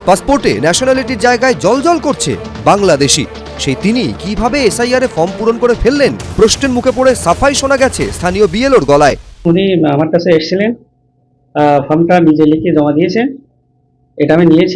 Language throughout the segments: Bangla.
পাসপোর্টে ন্যাশনালিটির জায়গায় জলজল করছে বাংলাদেশি। সেই তিনি কিভাবে এসআইআর এ ফর্ম পূরণ করে ফেললেন, প্রশ্নের মুখে পড়ে সাফাই শোনা গেছে স্থানীয় বিএলওর গলায়। উনি আমার কাছে এসেছিলেন, ফর্মটা নিজে লিখে জমা দিয়েছেন, এটা আমি নিয়েছি।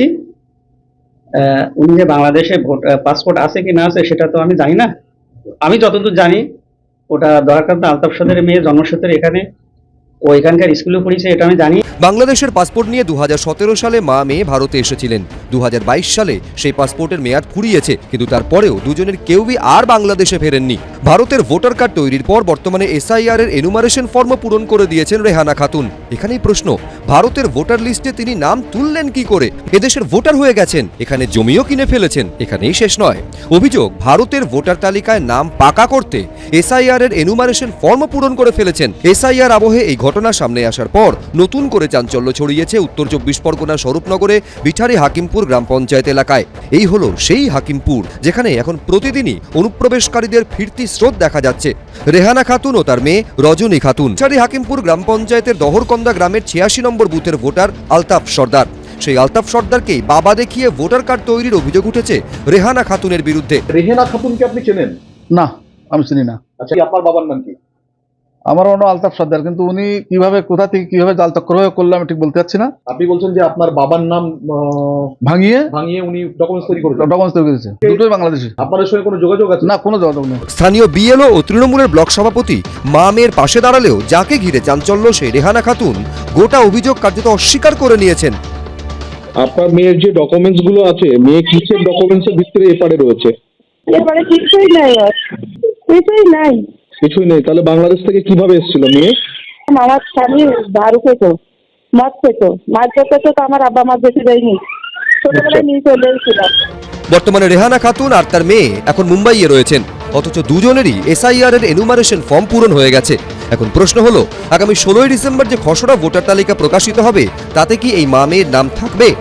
উনি যে বাংলাদেশে পাসপোর্ট আছে কি না আছে সেটা তো আমি জানি না। আমি যতদূর জানি ওটা দরকার আলতাফ সদরের মেয়ে, জন্মসূত্রে এখানে ও এখানকার স্কুলে পড়েছে, এটা আমি জানি। বাংলাদেশের পাসপোর্ট নিয়ে 2017 সালে মা মেয়ে ভারতে এসেছিলেন। 2022 সালে সেই পাসপোর্টের মেয়াদ ফুরিয়েছে, কিন্তু তারপরেও দুজনের কেউই আর বাংলাদেশে ফেরেননি। ভারতের ভোটার কার্ড তৈরির পর বর্তমানে এসআইআর এর এনুমারেশন ফর্ম পূরণ করে দিয়েছেন রেহানা খাতুন। এখানেই প্রশ্ন, ভারতের ভোটার লিস্টে তিনি নাম তুললেন কি করে? এদেশের ভোটার হয়ে গেছেন, এখানে জমিও কিনে ফেলেছেন। এখানেই শেষ নয়, অভিযোগ ভারতের ভোটার তালিকায় নাম পাকা করতে এসআইআর এর এনুমারেশন ফর্ম পূরণ করে ফেলেছেন। এসআইআর আবহে এই ঘটনা সামনে আসার পর নতুন করে চাঞ্চল্য ছড়িয়েছে উত্তর 24 পরগনা স্বরূপনগরে বিঠারি হাকিমপুর গ্রাম পঞ্চায়েত এলাকায়। এই হলো সেই হাকিমপুর যেখানে এখন প্রতিদিনই অনুপ্রবেশকারীদের ফিরতি স্রোত দেখা যাচ্ছে। রেহানা খাতুন ও তার মেয়ে রজনী খাতুন। বিঠারি হাকিমপুর গ্রাম পঞ্চায়েতের দহরকন্দা গ্রামের 86 নম্বর বুথের ভোটার আলতাফ সর্দার। সেই আলতাফ সর্দারকেই বাবা দেখিয়ে ভোটার কার্ড তৈরির অভিযোগ উঠেছে রেহানা খাতুনের বিরুদ্ধে। রেহানা খাতুনকে আপনি চেনেন? না, আমি চিনি না। আচ্ছা, আপনার বাবার নাম কি? আমার অন্য আলতাফ সর্দার, কিন্তু উনি কিভাবে, কোথা থেকে কিভাবে জাল চক্র করলো আমি ঠিক বলতে পারছি না। আপনি বলছেন যে আপনার বাবার নাম ভাঙিয়ে উনি ডকুমেন্টস তৈরি করেছেন? ডকুমেন্টস তৈরি করেছে, দুটোই বাংলাদেশি। আপনাদের সঙ্গে কোনো যোগাযোগ আছে? না, কোনো যোগাযোগ নেই। স্থানীয় বিএলও ও তৃণমূলের ব্লক সভাপতি মা মেয়ের পাশে দাঁড়ালেও যাকে ঘিরে চাঞ্চল্য সেই রেহানা খাতুন গোটা অভিযোগ কার্যত অস্বীকার করে নিয়েছেন। আপনার মেয়ের যে ডকুমেন্টস গুলো আছে, মেয়ে কিসের ডকুমেন্টস এর ভিতরে এপারে রয়েছে? এবারে কিছুই নাই, কিছুই নাই। কিছুই নেই। তাহলে বাংলাদেশ থেকে কিভাবে এসেছিল মেয়ে? আমার স্বামী দারু খেতো, মদ খেতো, মাছ খেতো, তো আমার আব্বা মাছ বেশি দেয়নি, ছোটবেলায় নিয়ে চলে এসেছিলাম। বর্তমানে রেহানা খাতুন আর তার মেয়ে এখন মুম্বাইয়ে রয়েছেন, অথচ দুজনেরই এসআইআর এর এনুমারেশন ফর্ম পূরণ হয়ে গেছে। এখন প্রশ্ন হলো, আগামী 16ই ডিসেম্বর যে খসড়া ভোটার তালিকা প্রকাশিত হবে তাতে কি এই মা মেয়ের নাম থাকবে?